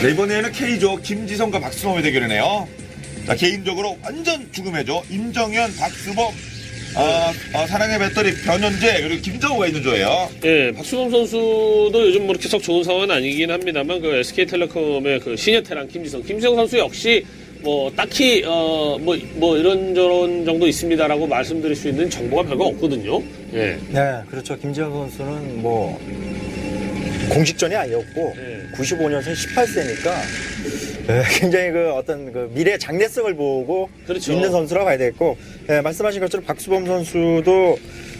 네, 이번에는 K조 김지성과 박수범의 대결이네요. 자, 개인적으로 완전 죽음의 조 임정현, 박수범, 사랑의 배터리 변현재 그리고 김정우가 있는 조예요. 예, 박수범 선수도 요즘 뭐 이렇게 썩 좋은 상황은 아니긴 합니다만 그 SK텔레콤의 그 시니어 테란 김지성 선수 역시 뭐 딱히 뭐 이런저런 정도 있습니다라고 말씀드릴 수 있는 정보가 별거 없거든요. 예. 네, 그렇죠. 김지현 선수는 뭐 공식전이 아니었고 95년생 18세니까 굉장히 그 어떤 그 미래 장래성을 보고 그렇죠. 있는 선수라고 봐야 되겠고, 말씀하신 것처럼 박수범 선수도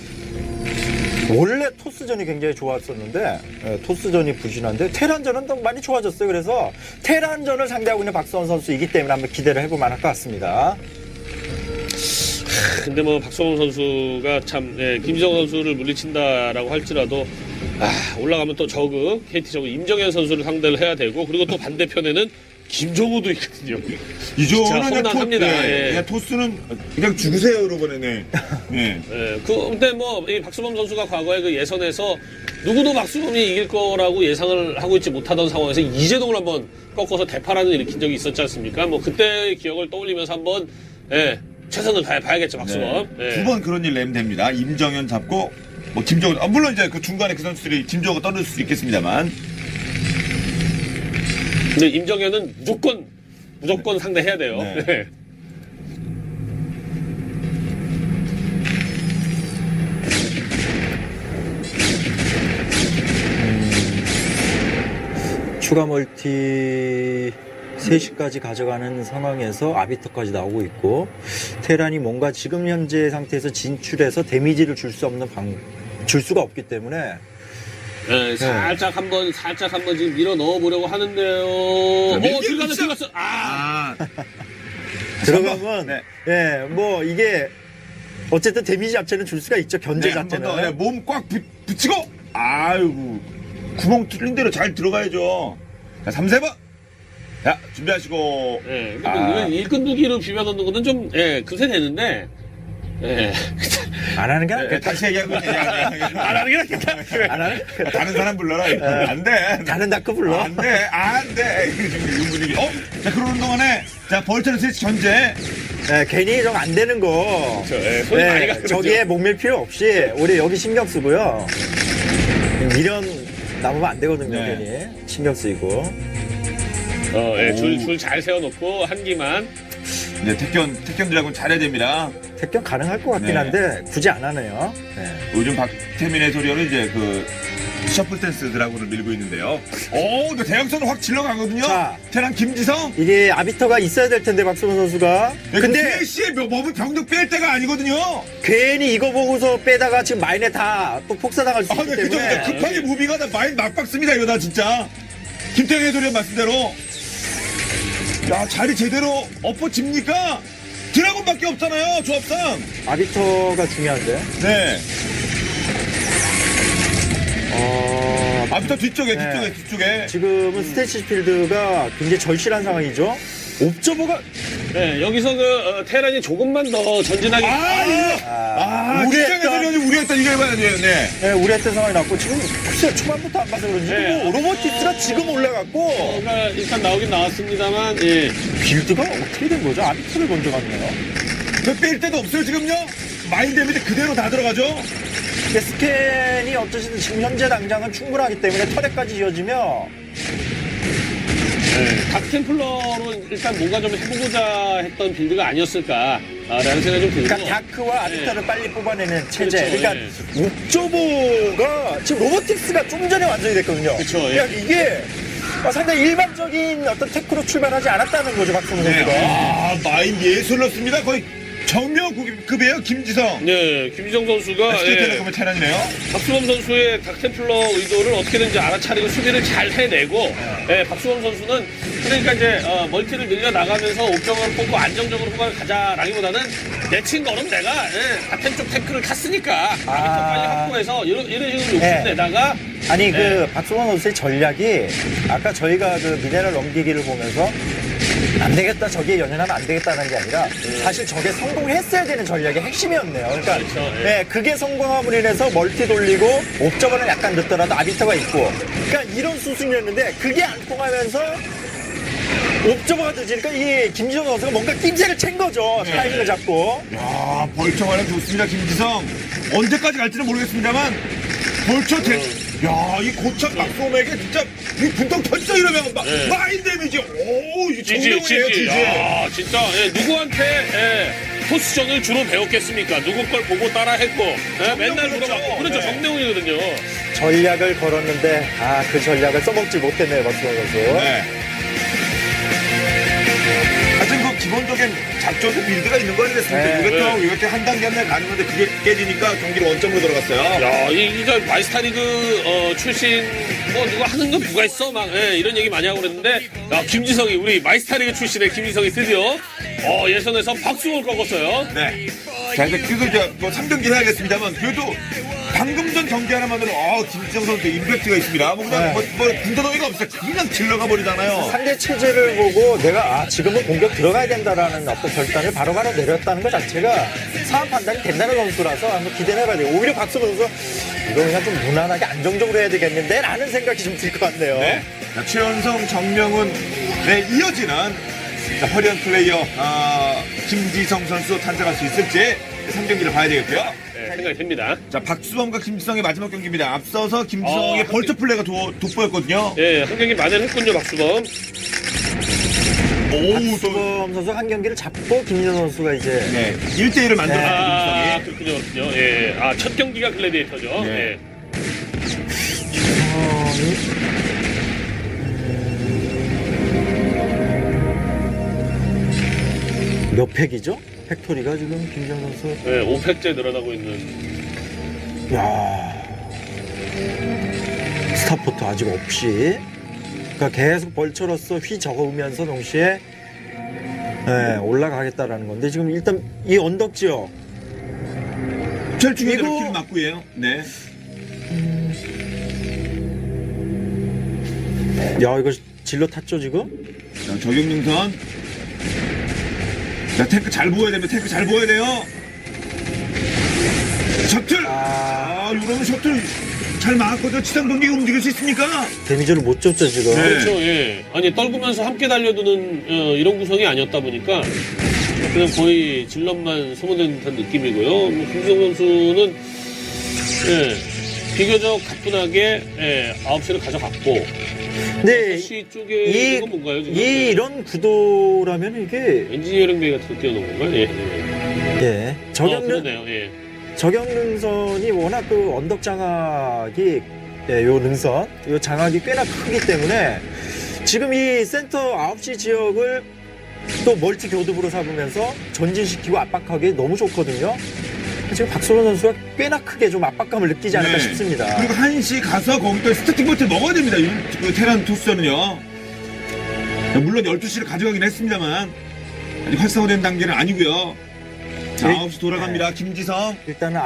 원래 토스전이 굉장히 좋았었는데 토스전이 부진한데 테란전은 더 많이 좋아졌어요. 그래서 테란전을 상대하고 있는 박수범 선수이기 때문에 한번 기대를 해볼 만할 것 같습니다. 근데 뭐 박수범 선수가 참 김지성 선수를 물리친다라고 할지라도 올라가면 또 저그 KT 저그 임정현 선수를 상대를 해야 되고 그리고 또 반대편에는 김정우도 있거든요. 이 조는 험난합니다. 토스는 그냥 죽으세요, 이러버리네. 네. 근데 뭐 이 박수범 선수가 과거에 그 예선에서 누구도 박수범이 이길 거라고 예상을 하고 있지 못하던 상황에서 이재동을 한번 꺾어서 대파란을 일으킨 적이 있었지 않습니까? 뭐 그때의 기억을 떠올리면서 한번 최선을 다해봐야겠죠, 박수범. 네. 두 번 그런 일 내면 됩니다. 임정현 잡고 뭐 김정우, 물론 이제 그 중간에 그 선수들이 김정우가 떠들 수 있겠습니다만. 근데 임정현은 무조건 상대해야 돼요. 네. 네. 추가 멀티 3시까지 가져가는 상황에서 아비터까지 나오고 있고, 테란이 뭔가 지금 현재 상태에서 진출해서 데미지를 줄 수가 없기 때문에 살짝 한번 지금 밀어 넣어 보려고 하는데요. 들어갔어. 들어가면 뭐 이게 어쨌든 데미지 자체는 줄 수가 있죠. 견제 자체는. 몸 꽉 붙이고 아이고 구멍 뚫린 대로 잘 들어가야죠. 자, 3세번. 자, 준비하시고. 이건 일끈두기로 비벼 넣는 거는 좀 그새 되는데. 안 하는 게 낫겠다. 다시 얘기하고 안 하는 게 낫겠다. 안 하는? 다른 사람 불러라. 안 돼. 다른 다크 불러. 안 돼. 안 돼. 이런 분위기. 자, 그러는 동안에 자, 벌처는 스위치 견제. 괜히 좀 안 되는 거. 손이 많이 가거든요. 저기에 목밀 필요 없이 우리 여기 신경 쓰고요. 미련 남으면 안 되거든요. 괜히 신경 쓰이고. 줄 잘 세워놓고 한기만. 이제 택견들하고는 잘해야 됩니다. 택견 가능할 것 같긴 한데 굳이 안 하네요. 요즘 박태민 해설위원은 이제 그 셔플 댄스 드라곤을 밀고 있는데요. 근데 대형선을 확 질러가거든요. 자. 테란 김지성. 이게 아비터가 있어야 될 텐데 박수범 선수가. 근데 3시에 몸을 병력 뺄 때가 아니거든요. 괜히 이거 보고서 빼다가 지금 마인에 다 또 폭사당할 수 있기 네, 때문에. 그죠. 급하게 무빙가 다 마인 막박습니다. 이러다 진짜. 김태형 해설위원 말씀대로. 야, 자리 제대로 엎어집니까? 드라곤밖에 없잖아요, 조합상. 아비터가 중요한데. 네. 아비터 뒤쪽에. 지금은 스테이시 필드가 굉장히 절실한 상황이죠. 옵저버가 여기서 그 테란이 조금만 더 전진하게. 김태형 해설위원이 우려했던 이걸 봐야 돼요. 네. 우려했던 상황이 났고 지금 글쎄 초반부터 안 봐서 그런지 뭐 로보틱스가 지금 올라갔고 일단 나오긴 나왔습니다만. 빌드가 어떻게 된 거죠? 아비터를 먼저 갔네요. 뺄 데도 없어요, 지금요? 마인 데미지 그대로 다 들어가죠? 근데 스캔이 어쩌시든 지금 현재 당장은 충분하기 때문에 터렛까지 이어지며 다크템플러로 일단 뭔가 좀 해보고자 했던 빌드가 아니었을까라는 생각이 좀 들고. 그러니까 다크와 아비터를 빨리 뽑아내는 체제. 그렇죠, 그러니까 옵저버가 지금 로보틱스가 좀 전에 완성이 됐거든요. 그렇죠, 그러니까 이게 상당히 일반적인 어떤 테크로 출발하지 않았다는 거죠, 박성훈 선수가. 마인 예술렀습니다. 거의 정명급이에요, 김지성. 네, 김지성 선수가 SK텔레콤의 테란이네요. 박수범 선수의 닥템플러 의도를 어떻게든지 알아차리고 수비를 잘 해내고, 박수범 선수는 그러니까 이제 멀티를 늘려 나가면서 옵정을 뽑고 안정적으로 후반을 가자라기보다는 내친 거는 내가 닥템 쪽 태클을 탔으니까 아비터 빨리 확보해서 이런 식으로 욕심내다가. 아니 그 박수범 선수의 전략이 아까 저희가 그 미네랄 넘기기를 보면서 안 되겠다, 저기에 연연하면 안 되겠다는 게 아니라 사실 저게 성공했어야 되는 전략의 핵심이었네요. 그러니까 그렇죠, 그게 성공함으로 인해서 멀티 돌리고 옵저버는 약간 늦더라도 아비터가 있고, 그러니까 이런 수순이었는데 그게 안 통하면서 옵저버가 늦으니까 이 김지성 선수가 뭔가 낌새를 챈 거죠. 네. 타이밍을 잡고. 야, 벌처 활약 좋습니다, 김지성. 언제까지 갈지는 모르겠습니다만, 야, 이 고참 박소맥에 진짜, 이 분통 터지죠, 이러면. 네. 마인 데미지. 오, 이 지지, 정명이에요, 지지. 지지. 아, 진짜, 누구한테, 토스전을 주로 배웠겠습니까? 누구 걸 보고 따라 했고, 맨날 그렇죠. 물어봤고. 그렇죠, 네. 정대웅이거든요. 전략을 걸었는데, 그 전략을 써먹지 못했네요, 박수원 선수. 네. 하여튼 그 기본적인 작전도 빌드가 있는 거 아니겠습니까? 네. 이것도 한 단계 한 단계 가는 건데 그게 깨지니까 경기를 원점으로 들어갔어요. 야, 이거 마이스타리그 출신 뭐 누가 하는 거 누가 있어? 막 이런 얘기 많이 하고 그랬는데 야, 김지성이 우리 마이스타리그 출신의 김지성이 드디어 예선에서 박수홍을 꺾었어요. 네. 자, 이제 그래도 이제 뭐 3경기 해야겠습니다만 그래도 방금 전 경기 하나만으로 김지성 선수 임팩트가 있습니다. 뭐 그냥 네. 뭐 군더더기가 없어요. 그냥 질러가 버리잖아요. 상대 체제를 보고 내가 지금은 공격 들어가야 된다라는 어떤 결단을 바로바로 내렸다는 것 자체가 상황 판단이 된다는 선수라서 한번 기대를 해봐야 돼요. 오히려 박수원 선수 이거 그냥 좀 무난하게 안정적으로 해야 되겠는데 라는 생각이 좀 들 것 같네요. 네. 자, 최연성, 정명훈에 이어지는 자, 화려한 플레이어 김지성 선수 탄생할 수 있을지 3경기를 봐야 되겠고요. 네, 생각이 됩니다. 자, 박수범과 김지성의 마지막 경기입니다. 앞서서 김지성의 벌처 플레이가 돋보였거든요. 예, 한 경기 만회했군요, 박수범. 오우, 또 박수범 선수 한 경기를 잡고 김민호 선수가 이제 네, 1대1을 만들었어요, 아, 김지성이. 그렇군요. 예. 첫 경기가 글래디에이터죠. 네. 예. 몇 팩이죠? 팩토리가 지금 김정 선수. 네, 5팩째 늘어나고 있는. 야 스타포트 아직 없이. 그러니까 계속 벌처로서 휘저으면서 동시에 올라가겠다라는 건데 지금 일단 이 언덕 지역 제일 중요한 이거- 길 맞고예요. 네. 야 이거 질러 탔죠 지금? 자, 저격능선. 자, 탱크 잘 보여야 됩니다. 탱크 잘 보여야 돼요. 셔틀! 이러면 셔틀 잘 막았거든요. 지상 동기가 움직일 수 있습니까? 데미지를 못 줬죠 지금. 네. 그렇죠, 예. 아니, 떨구면서 함께 달려드는 이런 구성이 아니었다 보니까 그냥 거의 질럿만 소모된 듯한 느낌이고요. 뭐, 김지성 선수는 비교적 가뿐하게 9시를 가져갔고 네. 6시 쪽에 이건 뭔가요? 지금? 이런 구도라면 이게 엔지니어링 베이 같은 거 띄워놓은 건가요? 예. 예 그러네요. 예. 저격 능선이 워낙 그 언덕 장악이 요 능선 요 장악이 꽤나 크기 때문에 지금 이 센터 9시 지역을 또 멀티 교두부로 삼으면서 전진시키고 압박하기 너무 좋거든요. 지금 박소론 선수가 꽤나 크게 좀 압박감을 느끼지 않을까 네. 싶습니다. 그리고 한시 가서 거기다 스타팅 포트 먹어야 됩니다. 그 테란 토스전은요. 물론 12시를 가져가긴 했습니다만 아직 활성화된 단계는 아니고요. 자, 네. 9시 돌아갑니다. 김지성. 일단은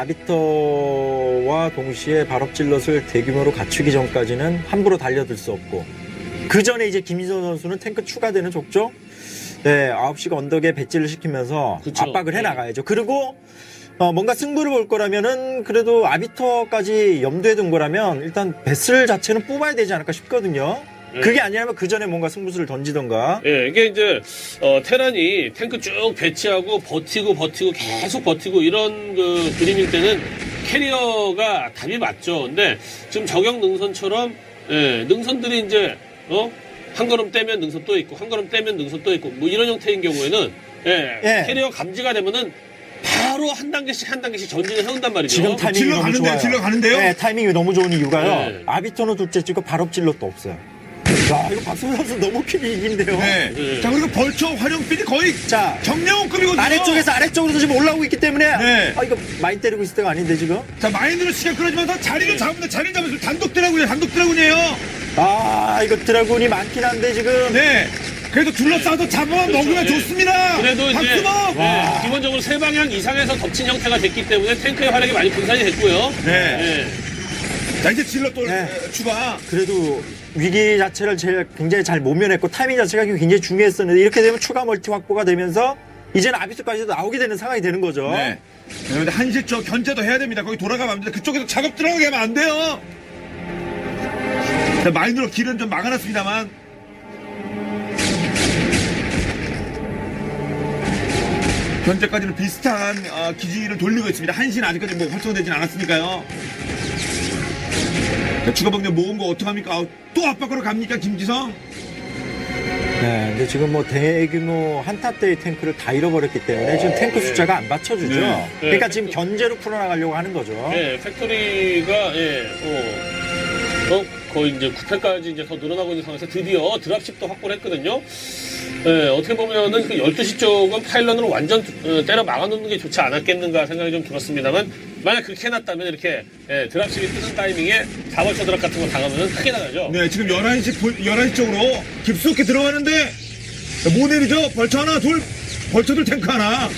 아비터와 동시에 발업질럿을 대규모로 갖추기 전까지는 함부로 달려들 수 없고 그 전에 이제 김희선 선수는 탱크 추가되는 족족 9시가 언덕에 배치를 시키면서 그쵸. 압박을 네. 해나가야죠. 그리고 뭔가 승부를 볼 거라면은 그래도 아비터까지 염두에 둔 거라면 일단 배슬 자체는 뽑아야 되지 않을까 싶거든요. 네. 그게 아니라면 그 전에 뭔가 승부수를 던지던가. 예, 이게 이제 테란이 탱크 쭉 배치하고 버티고 계속 버티고 이런 그 그림일 때는 캐리어가 답이 맞죠. 근데 지금 저격 능선처럼 능선들이 이제 한 걸음 떼면 능선 또 있고 한 걸음 떼면 능선 또 있고 뭐 이런 형태인 경우에는 예. 캐리어 감지가 되면은 바로 한 단계씩 전진을 해온단 말이죠. 지금 타이밍이 너무 가는데요, 좋아요. 질러 가는데요? 네, 타이밍이 너무 좋은 이유가요. 네. 아비터는 둘째 찍고 발업질럿도 없어요. 야, 이거 박성호 선수 너무 킬이긴데요. 네. 네. 자, 그리고 벌처 활용필이 거의 자, 정명훈급이거든요. 아래쪽에서 아래쪽으로 지금 올라오고 있기 때문에 네. 이거 많이 때리고 있을 때가 아닌데 지금. 자, 마인드로 시간 끌어주면서 자리를 잡으면 자리를 잡으면서 단독 드라군이에요. 이거 드라군이 많긴 한데 지금. 네. 그래도 둘러싸서 잡아만 그렇죠. 먹으면 네. 좋습니다. 그래도 이제 박수범! 기본적으로 세 방향 이상에서 덮친 형태가 됐기 때문에 탱크의 활약이 많이 분산이 됐고요. 네. 예. 자, 이제 질러 또 네. 추가. 그래도 위기 자체를 굉장히 잘 모면했고 타이밍 자체가 굉장히 중요했었는데 이렇게 되면 추가 멀티 확보가 되면서 이제는 아비스까지도 나오게 되는 상황이 되는 거죠. 네. 그런데 한시 쪽 견제도 해야 됩니다. 거기 돌아가면 안 됩니다. 그쪽에서 작업 들어가게 하면 안 돼요. 자, 마인드로 길은 좀 막아놨습니다만. 현재까지는 비슷한 기지를 돌리고 있습니다. 한시는 아직까지 뭐 활성화되진 않았으니까요. 자, 추가 병력 모은 거 어떡합니까? 또 압박으로 갑니까, 김지성? 네, 근데 지금 뭐 대규모 한타대의 탱크를 다 잃어버렸기 때문에 지금 탱크 숫자가 안 받쳐주죠. 네. 그러니까 지금 견제로 풀어나가려고 하는 거죠. 예, 팩토리가 거의 이제 9회까지 이제 더 늘어나고 있는 상황에서 드디어 드랍십도 확보를 했거든요. 예, 어떻게 보면은 그 12시 쪽은 파일런으로 완전 때려 막아놓는 게 좋지 않았겠는가 생각이 좀 들었습니다만, 만약 그렇게 해놨다면 이렇게 드랍십이 뜨는 타이밍에 4벌처 드랍 같은 거 당하면 크게 나가죠. 네, 지금 11시 쪽으로 깊숙이 들어가는데 못 내리죠? 벌처 하나, 둘, 벌처들 탱크 하나.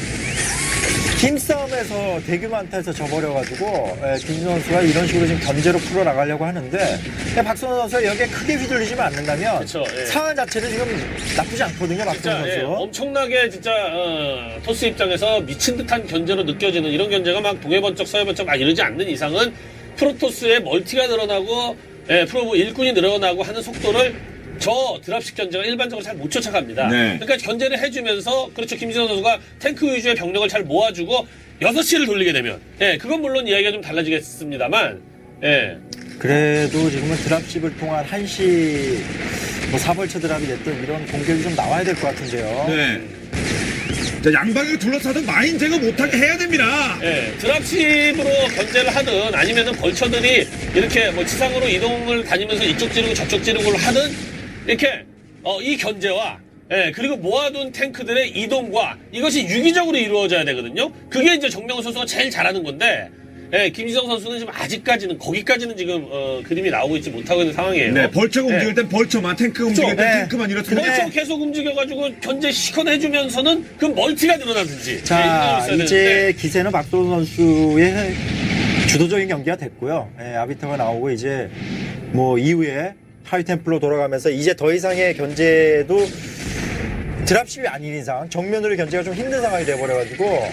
힘싸움에서 대규모 한타에서 져버려가지고 김진호 선수가 이런 식으로 지금 견제로 풀어나가려고 하는데 박선호 선수가 여기에 크게 휘둘리지만 않는다면 그쵸, 예. 상황 자체는 지금 나쁘지 않거든요. 박선호 진짜 선수. 엄청나게 진짜 토스 입장에서 미친 듯한 견제로 느껴지는 이런 견제가 막 동해번쩍 서해번쩍 막 이러지 않는 이상은 프로토스의 멀티가 늘어나고 프로브 일꾼이 늘어나고 하는 속도를 저 드랍식 견제가 일반적으로 잘 못 쫓아갑니다. 네. 그러니까 견제를 해주면서 그렇죠, 김진호 선수가 탱크 위주의 병력을 잘 모아주고 6시를 돌리게 되면 그건 물론 이야기가 좀 달라지겠습니다만 그래도 지금은 드랍십을 통한 한시 뭐 사벌처 드랍이 됐든 이런 공격이 좀 나와야 될 것 같은데요. 네. 자, 양방에 둘러싸도 마인 제거 못하게 해야 됩니다. 드랍십으로 견제를 하든 아니면은 벌처들이 이렇게 뭐 지상으로 이동을 다니면서 이쪽 찌르고 저쪽 찌르고를 하든 이렇게 이 견제와 그리고 모아둔 탱크들의 이동과 이것이 유기적으로 이루어져야 되거든요. 그게 이제 정명훈 선수가 제일 잘하는 건데 김지성 선수는 지금 아직까지는 거기까지는 지금 그림이 나오고 있지 못하고 있는 상황이에요. 네, 벌처가 움직일 땐 벌처만, 탱크가 움직일 땐 네. 탱크만 이렇습니다. 벌처 계속 움직여가지고 견제 시커내주면서는 그 멀티가 늘어나든지. 자, 이렇게 이제 되는데. 기세는 박선호 선수의 주도적인 경기가 됐고요. 아비터가 나오고 이제 뭐 이후에 하이템플로 돌아가면서 이제 더 이상의 견제도 드랍십이 아닌 이상 정면으로 견제가 좀 힘든 상황이 돼버려가지고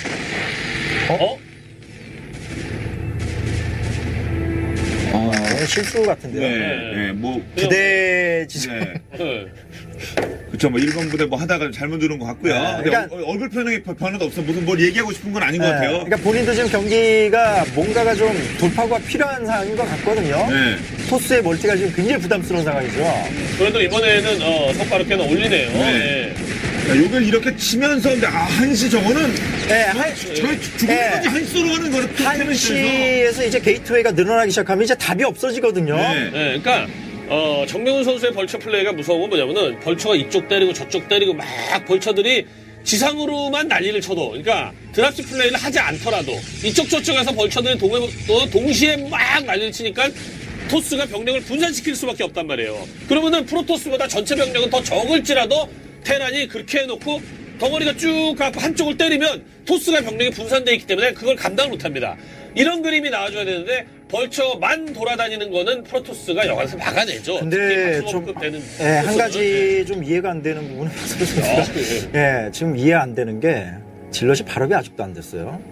실수 같은데요. 네, 뭐, 부대 지점. 네. 그쵸, 뭐, 1번 부대 뭐 하다가 잘못 들은 것 같고요. 네, 근데 그러니까- 얼굴 표현에 변화도 없어. 무슨 뭘 얘기하고 싶은 건 아닌 것 같아요. 그러니까 본인도 지금 경기가 뭔가가 좀 돌파구가 필요한 상황인 것 같거든요. 네. 토스의 멀티가 지금 굉장히 부담스러운 상황이죠. 그래도 이번에는 성과를 꽤나 올리네요. 네. 자, 요걸 이렇게 치면서, 근데, 한시 저거는, 죽는 건지 한시로 가는 거는 한시에서 이제 게이트웨이가 늘어나기 시작하면 이제 답이 없어지거든요. 네. 그러니까 정명훈 선수의 벌처 플레이가 무서운 건 뭐냐면은 벌처가 이쪽 때리고 저쪽 때리고 막 벌처들이 지상으로만 난리를 쳐도, 그러니까 드랍십 플레이를 하지 않더라도 이쪽 저쪽에서 벌처들이 동시에 막 난리를 치니까 토스가 병력을 분산시킬 수밖에 없단 말이에요. 그러면은 프로토스보다 전체 병력은 더 적을지라도 테란이 그렇게 해놓고 덩어리가 쭉 가고 한쪽을 때리면 토스가 병력이 분산되어 있기 때문에 그걸 감당을 못합니다. 이런 그림이 나와줘야 되는데 벌처만 돌아다니는 거는 프로토스가 여기서 막아내죠. 근데 좀, 한 가지 좀 이해가 안 되는 부분은 박선호 선수가 지금 이해 안 되는 게 질럿이 발업이 아직도 안 됐어요.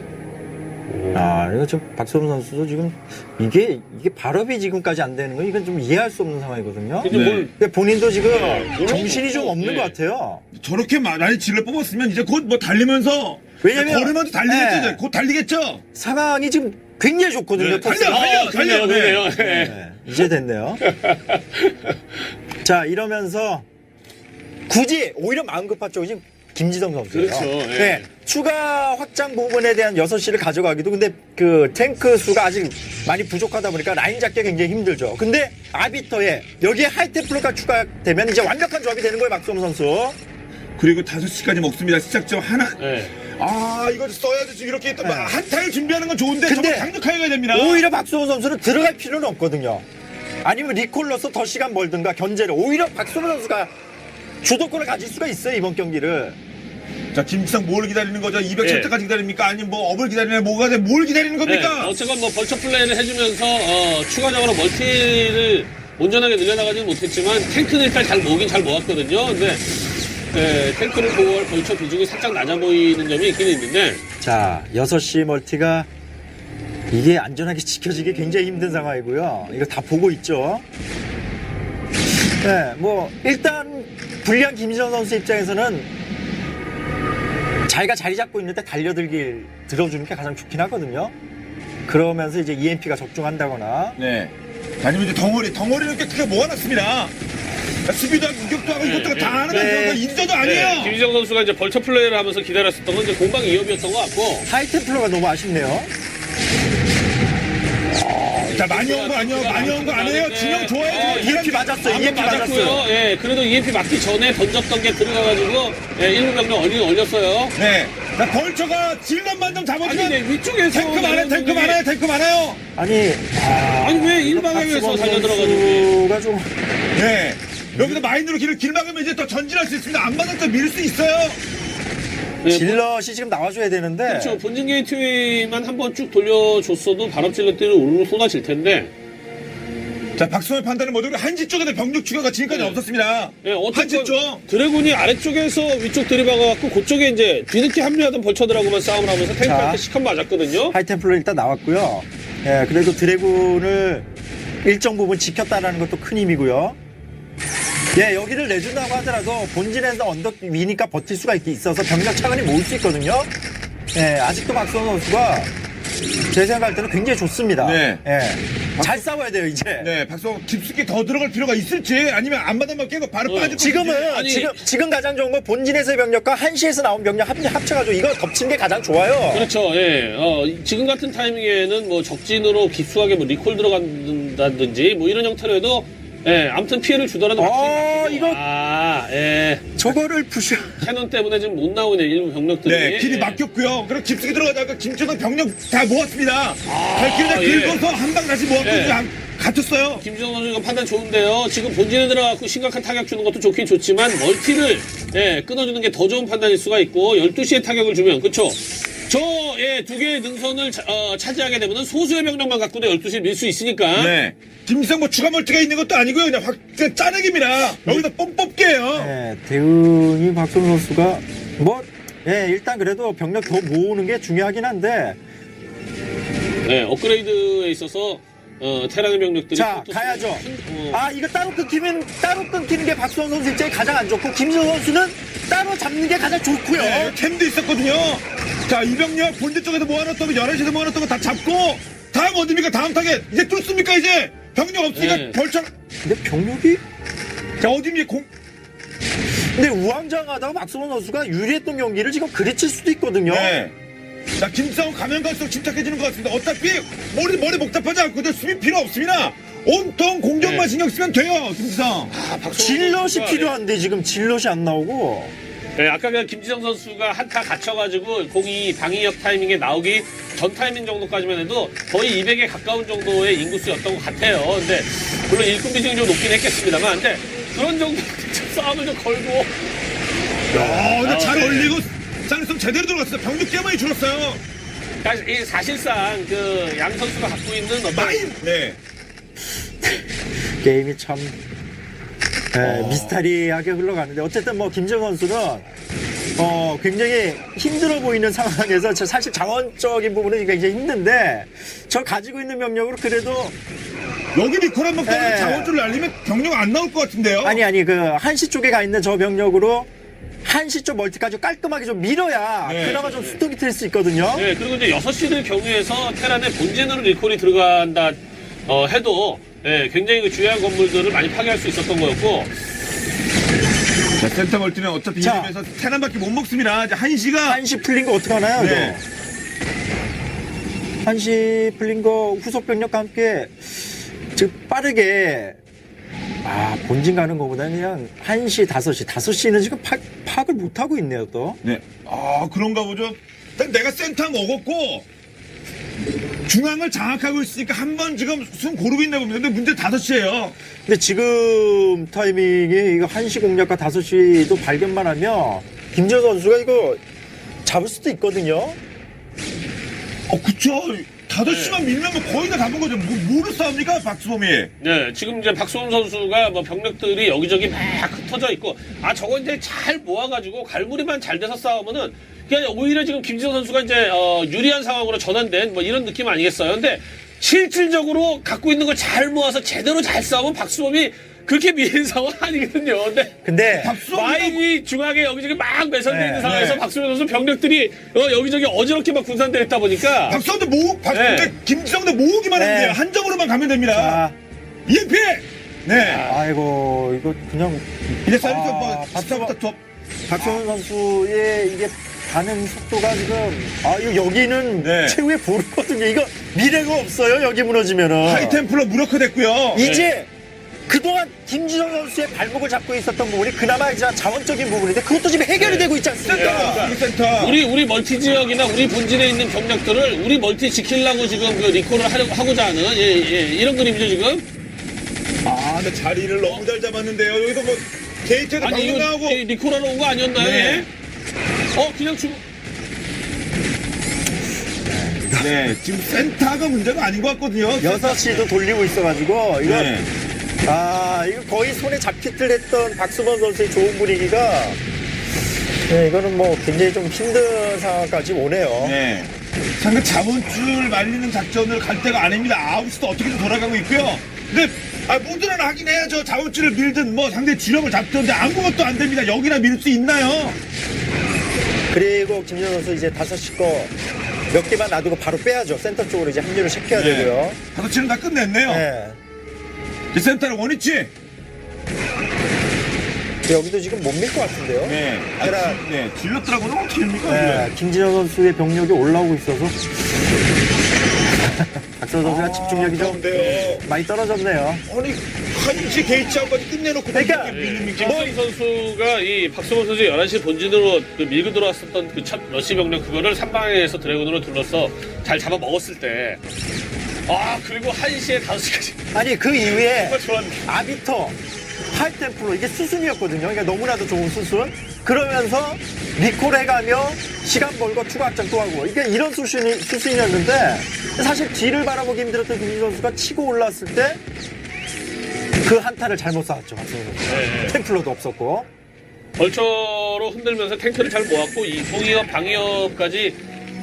이거 지금 박선호 선수도 지금 이게 발업이 지금까지 안 되는 건 이건 좀 이해할 수 없는 상황이거든요. 근데 뭘 근데 본인도 지금 네, 정신이 좀 없는 네. 것 같아요. 저렇게 많이 질러 뽑았으면 이제 곧 뭐 달리면서. 왜냐면- 걸으면서 달리겠죠, 네. 이제. 곧 달리겠죠? 상황이 지금 굉장히 좋거든요. 네, 토스가. 달려. 그러네요. 이제 됐네요. 자, 이러면서 굳이 오히려 마음 급한 쪽이 지금 김지성 선수예요. 그렇죠, 예. 네, 추가 확장 부분에 대한 6시를 가져가기도 근데 그 탱크 수가 아직 많이 부족하다 보니까 라인 잡기가 굉장히 힘들죠. 근데 아비터에 여기에 하이템플러가 추가되면 이제 완벽한 조합이 되는 거예요, 박수홍 선수. 그리고 5시까지 먹습니다. 시작점 하나. 네. 이거 써야지. 지금 이렇게 또 네. 한타를 준비하는 건 좋은데 근데 정말 강력하게 가야 됩니다. 오히려 박수홍 선수는 들어갈 필요는 없거든요. 아니면 리콜러서 더 시간 벌든가 견제를. 오히려 박수홍 선수가 주도권을 가질 수가 있어요, 이번 경기를. 자, 김지성 뭘 기다리는 거죠? 200 예. 칠 때까지 기다립니까? 아니면 뭐 업을 기다리냐? 뭐가 돼? 뭘 기다리는 겁니까? 어쨌건 뭐 벌처 플레이를 해주면서 추가적으로 멀티를 온전하게 늘려나가지는 못했지만 탱크는 일단 잘 모으긴 잘 모았거든요. 근데 탱크를 보호할 벌처 비중이 살짝 낮아 보이는 점이 있긴 있는데 자, 6시 멀티가 이게 안전하게 지켜지기 굉장히 힘든 상황이고요. 이거 다 보고 있죠. 네, 뭐 일단 불리한 김지성 선수 입장에서는 자기가 자리 잡고 있는데 달려들길 들어주는 게 가장 좋긴 하거든요. 그러면서 이제 EMP가 적중한다거나. 네. 아니면 이제 덩어리를 꽤 크게 모아놨습니다. 수비도 하고 공격도 하고 이것도 다 하는 네. 인저도 아니에요. 네, 김희정 선수가 이제 벌처 플레이를 하면서 기다렸었던 건 이제 공방 2업이었던 것 같고. 하이템플러가 너무 아쉽네요. 자, 많이 온 거 아니에요? 진영 좋아요. EMP 맞았어요. EMP 맞았어요. 예, 그래도 EMP 맞기 전에 던졌던 게 들어가가지고, 예, 1루 병력 얼렸어요. 네. 자, 벌처가 질럿만 좀 아니, 잡아주면 네, 위쪽에서. 탱크 많아요. 아니, 아니, 왜 일방향에서 달려들어가지고. 선수가 좀 네. 여기서 마인드로 길 막으면 이제 또 전진할 수 있습니다. 안 맞을 때 밀 수 있어요. 네, 질럿이 지금 나와줘야 되는데. 그렇죠. 본진 게이트웨이만 한번 쭉 돌려줬어도 바람질럿들이 우르르 쏟아질 텐데. 자, 박수호의 판단은 뭐죠? 한시 쪽에 병력 추가가 지금까지 네. 없었습니다. 예, 한시 어쨌든 쪽. 드래곤이 아래쪽에서 위쪽 들이박아갖고 그쪽에 이제 뒤늦게 합류하던 벌처들하고만 싸움을 하면서 탱크한테 시컷 맞았거든요. 하이템플러 일단 나왔고요. 예, 그래도 드래곤을 일정 부분 지켰다라는 것도 큰 힘이고요. 예, 여기를 내준다고 하더라도 본진에서 언덕 위니까 버틸 수가 있어서 병력 차근히 모을 수 있거든요. 예, 아직도 박수호 선수가 제 생각할 때는 굉장히 좋습니다. 네. 예, 잘 싸워야 돼요, 이제. 네, 박수호 깊숙이 더 들어갈 필요가 있을지 아니면 앞마당만 깨고 바로 빠질 지금은 아니- 지금 가장 좋은 건 본진에서의 병력과 한시에서 나온 병력 합쳐가지고 이거 덮친 게 가장 좋아요. 그렇죠. 예. 지금 같은 타이밍에는 뭐 적진으로 깊숙하게 뭐 리콜 들어간다든지 뭐 이런 형태로 해도 예, 아무튼 피해를 주더라도 이거- 예. 저거를 부셔. 캐논 때문에 지금 못 나오네 일부 병력들이. 네, 길이 예. 막혔고요. 그럼 깊숙이 들어가다가 김준호 병력 다 모았습니다. 발길을 다 예. 긁어서 한 방 다시 모았고 예. 갇혔어요. 김지성 선수 이거 판단 좋은데요. 지금 본진에 들어가고 심각한 타격 주는 것도 좋긴 좋지만 멀티를 예, 끊어주는 게 더 좋은 판단일 수가 있고 12시에 타격을 주면 그렇죠. 두 개의 능선을 차지하게 되면 소수의 병력만 갖고도 12시에 밀 수 있으니까. 네. 김지성 뭐 추가 멀티가 있는 것도 아니고요. 그냥 짜내기입니다. 여기다 뽕 뽑게요. 네, 대응이 박선 선수가 일단 그래도 병력 더 모으는 게 중요하긴 한데. 네, 업그레이드에 있어서 테란의 병력들이 자, 또 가야죠. 어, 이거 따로 끊기는 게 박수원 선수 입장에 가장 안 좋고, 김지성 선수는 따로 잡는 게 가장 좋고요. 네, 캠도 있었거든요. 자, 이병력 본대 쪽에서 모아놨던 거, 11시에서 모아놨던 거 다 잡고, 다음 어딥니까? 다음 타겟. 이제 뚫습니까, 이제? 병력 없으니까 네. 벌처. 근데 병력이? 자, 어딥니까? 근데 우왕좌왕하다가 박수원 선수가 유리했던 경기를 지금 그르칠 수도 있거든요. 네. 자, 김싸움 가면 갈수록 침착해지는 것 같습니다. 어차피 머리 복잡하지 않거든. 수비 필요 없습니다. 온통 공격만 네. 신경 쓰면 돼요, 김지성. 질럿이 필요한데 지금 질럿이 안 나오고. 네, 아까 그 김지성 선수가 한타 갇혀가지고 공이 방위협 타이밍에 나오기 전 타이밍 정도까지만 해도 거의 200에 가까운 정도의 인구수였던 것 같아요. 근데 물론 일꾼 비중이 좀 높긴 했겠습니다만, 근데 그런 정도 싸움을 좀 걸고. 근데 잘 네. 올리고 쌍성 제대로 들어갔어요. 병력 꽤 많이 줄었어요. 이 사실상 그 양 선수가 갖고 있는 어떤 네. 게임이 참 미스터리하게 흘러가는데, 어쨌든 뭐 김지성 선수는 굉장히 힘들어 보이는 상황에서 사실 자원적인 부분은 굉장히 힘든데, 저 가지고 있는 병력으로 그래도 여기 리콜 한번 떠서 네. 자원줄을 날리면 병력 안 나올 것 같은데요. 아니 그 한시 쪽에 가 있는 저 병력으로 한시 쪽 멀티까지 깔끔하게 좀 밀어야 네. 그나마 좀 수동이 될 수 있거든요. 네, 그리고 이제 6시들 경우에서 테란의 본진으로 리콜이 들어간다 해도 굉장히 그 주요한 건물들을 많이 파괴할 수 있었던 거였고. 자, 센터 멀티는 어차피 자. 이름에서 테란밖에 못 먹습니다. 이제 한시가 한시 풀린 거 어떡하나요? 네. 이거? 한시 풀린 거 후속 병력과 함께 지금 빠르게 본진 가는 거보다는 그냥 1시, 5시는 지금 파악을 못하고 있네요, 또. 네. 그런가 보죠. 일단 내가 센터 먹었고 중앙을 장악하고 있으니까 한 번 지금 숨 고르고 있나 봅니다. 근데 문제 5시예요. 근데 지금 타이밍이 이거 1시 공략과 5시도 발견만 하면 김재호 선수가 이거 잡을 수도 있거든요. 그쵸. 5시만 밀면 뭐 거의 다 잡은 거죠. 뭐를 싸웁니까, 박수범이? 네, 지금 이제 박수홍 선수가 뭐 병력들이 여기저기 막 흩어져 있고, 저거 이제 잘 모아가지고 갈무리만 잘 돼서 싸우면은, 그냥 오히려 지금 김지성 선수가 이제, 유리한 상황으로 전환된 뭐 이런 느낌 아니겠어요? 근데 실질적으로 갖고 있는 걸 잘 모아서 제대로 잘 싸우면 박수범이 그렇게 미는 상황 아니거든요. 근데 마인이 중앙에 여기저기 막 매설되어 네, 있는 상황에서 네. 박수현 선수 병력들이 여기저기 어지럽게 막 분산되어 있다 보니까 박성대 모으, 네. 김지성대 모으기만 하면 네. 돼요. 한 점으로만 가면 됩니다. 자, EMP! 네. 아이고 이거 그냥 이제 사이드서 뭐, 박수범 스타부터 박성훈 선수의 이게 가는 속도가 지금 이거 여기는 네. 최후의 보루거든요. 이거 미래가 없어요. 여기 무너지면은 하이템플러 무력화 됐고요. 이제 그동안 김지성 선수의 발목을 잡고 있었던 부분이 그나마 이제 자원적인 부분인데 그것도 지금 해결이 되고 있지 않습니까? 센터, 센터. 우리 멀티 지역이나 우리 본진에 있는 병력들을 우리 멀티 지키려고 지금 그 리콜을 하고자 하는 이런 그림이죠 지금. 근데 자리를 너무 잘 잡았는데요. 여기서 뭐, 게이트에도 아니 방금 이거 나오고. 리콜하러 온 거 아니었나요? 네. 예? 그냥 주고. 네, 지금 센터가 문제가 아닌 것 같거든요. 6시도 돌리고 있어가지고 이거 네. 이거 거의 손에 잡히들 했던 박수범 선수의 좋은 분위기가 이거는 뭐 굉장히 좀 힘든 상황까지 오네요. 네. 상대 자원줄 말리는 작전을 갈 때가 아닙니다. 아웃도 어떻게든 돌아가고 있고요. 근데 모드는 하긴 해야죠. 자원줄을 밀든 뭐 상대 주력을 잡든지 아무것도 안 됩니다. 여기나 밀 수 있나요? 그리고 김지성 선수 이제 5시 거 몇 개만 놔두고 바로 빼야죠. 센터 쪽으로 이제 합류를 시켜야 되고요. 5치는 다 끝냈네요. 네. 이 센터는 원위치. 여기도 지금 못 밀 것 같은데요. 네. 네. 질렀더라고는 어떻게 합니까? 네, 김진영 선수의 병력이 올라오고 있어서 박선 선수가 집중력이 좀 그런데요. 많이 떨어졌네요. 아니, 한시 게이츠아웃까지 끝내놓고 그러니까 김성 선수가 이 박수범 선수 11시 본진으로 그 밀고 들어왔었던 그 첫 러시 병력 그거를 3방에서 드래곤으로 둘러서 잘 잡아 먹었을 때 그리고 1시에 5시까지 아니 그 이후에 정말 좋았네. 아비터, 하이템플로 이게 수순이었거든요. 그러니까 너무나도 좋은 수순. 그러면서 리콜 해가며 시간 벌고 추가 확장 또 하고 이게 이런 수순이었는데 사실 뒤를 바라보기 힘들었던 김진 선수가 치고 올랐을 때 그 한타를 잘못 쌓았죠. 박성훈 선수. 네. 템플러도 없었고. 벌처로 흔들면서 탱크를 잘 모았고 이 봉이업 방위업까지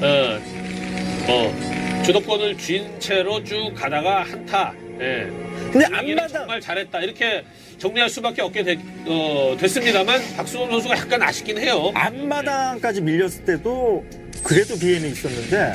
주도권을 쥔 채로 쭉 가다가 한타. 근데 분위기를 앞마당 정말 잘했다 이렇게 정리할 수밖에 없게 됐습니다만 박수범 선수가 약간 아쉽긴 해요. 앞마당까지 밀렸을 때도 그래도 비해는 있었는데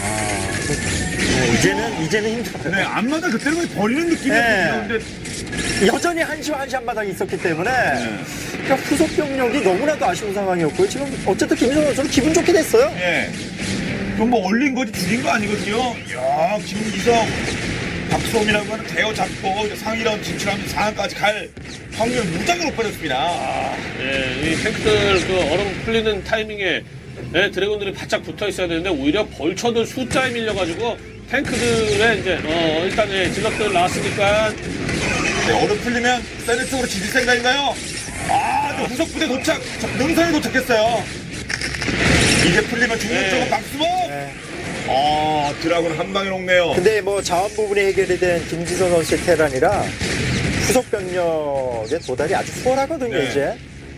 이제는 힘들어요. 네, 앞마다 그때는 거의 버리는 느낌이었거든요. 네. 근데 여전히 한시 앞마당이 있었기 때문에 그러니까 후속 병력이 너무나도 아쉬운 상황이었고요. 지금 어쨌든 김민성 선수는 기분 좋게 됐어요. 예. 그럼 뭐 올린 거지 죽인 거 아니거든요. 야, 김기성, 박수범이라고 하는 대어 잡고 상위 라운드 진출하면 4강까지 갈 확률 무지하게 높아졌습니다. 이 탱크들 그 얼음 풀리는 타이밍에 드래곤들이 바짝 붙어 있어야 되는데 오히려 벌처들 숫자에 밀려가지고 탱크들의 이제 일단 진압들 나왔으니까 네, 얼음 풀리면 세네 쪽으로 지질 생각인가요? 이제 후속 부대 도착, 능선에 도착했어요. 이제 풀리면 중국 쪽은 박수범. 네. 드라군 한 방에 녹네요. 근데 뭐 자원 부분이 해결이 된 김지성 선수의 테란이라 후속 병력의 도달이 아주 수월하거든요. 네. 이제.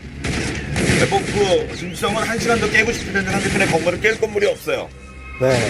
그 김지성은 1시간 더 깨고 싶은데 상대편의 건물을 깰 건물이 없어요. 네.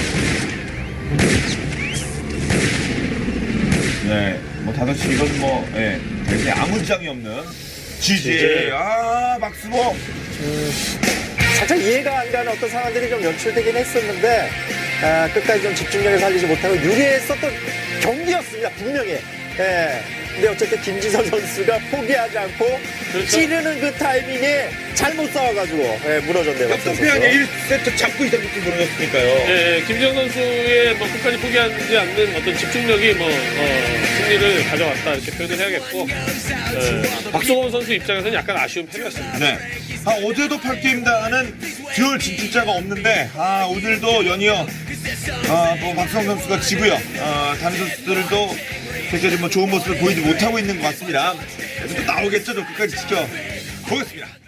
네, 뭐 5시 이건 뭐 굉장히 아무 지장이 없는 GG. 박수범. 살짝 이해가 안 가는 어떤 상황들이 좀 연출되긴 했었는데 끝까지 좀 집중력을 살리지 못하고 유리했었던 경기였습니다. 분명히. 근데 어쨌든 김지성 선수가 포기하지 않고 그렇죠. 찌르는 그 타이밍에 잘못 싸워가지고 무너졌네요. 박선 선수. 역동피하게 1세트 잡고 있었는지 모르겠으니까요. 김지영 선수의 끝까지 포기하지 않는 어떤 집중력이 승리를 가져왔다 이렇게 표현을 해야겠고 박수범 선수 입장에서는 약간 아쉬운 패배였습니다. 네. 어제도 8게임단은 듀얼 진출자가 없는데 오늘도 연이어 뭐 박성 선수가 지고요. 다른 선수들도 굉장히 뭐 좋은 모습을 보이지 못하고 있는 것 같습니다. 그래서 또 나오겠죠. 저 끝까지 지켜보겠습니다.